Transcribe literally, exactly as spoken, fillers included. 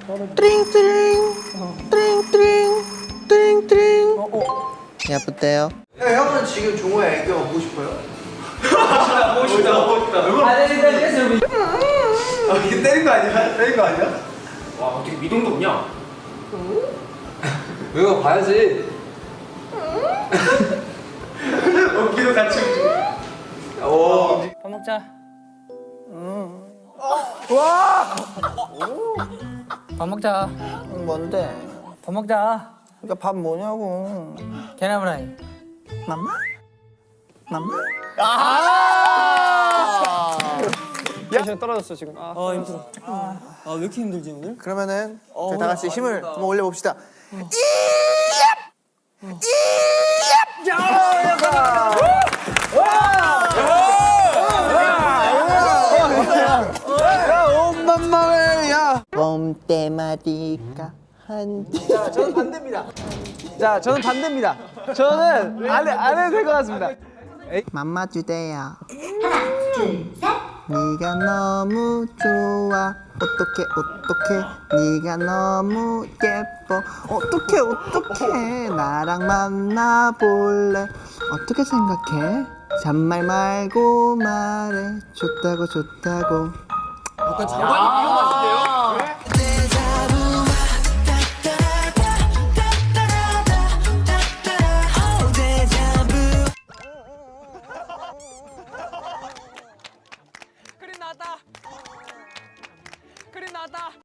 띠링띠링 띠링띠링 띠링띠링. 예쁘대요. 형은 지금 종호의 애교 보고 싶어요? 보고 싶다 보고 싶다. 아, 이게 때린 거 아니야? 때린 거 아니야? 와 어떻게 미동도 없냐? 이거 봐야지. 어깨도 같이 움직여. 오. 밥 먹자. 와. 밥 먹자. 뭔데? 밥 먹자. 그러니까 밥 뭐냐고. 계란후라이. 맘마? 맘마? 아! 텐션 떨어졌어 지금. 아, 어 힘들어. 아 왜 이렇게 힘들지 오늘? 그러면은 저희 다 같이 힘을 한번 올려봅시다. 엄마마야. 봄때마디가 한. 자, 저는 반대입니다. 자, 저는 반대입니다. 저는 안, 해, 안 해도 될 것 같습니다. 맘마 주대요. 네가 너무 좋아. 어떡해 어떡해 네가 너무 예뻐. 어떡해 어떡해 나랑 만나볼래. 어떻게 생각해? 잔말 말고 말해. 좋다고 좋다고. 약간 장관님 위험하신데요?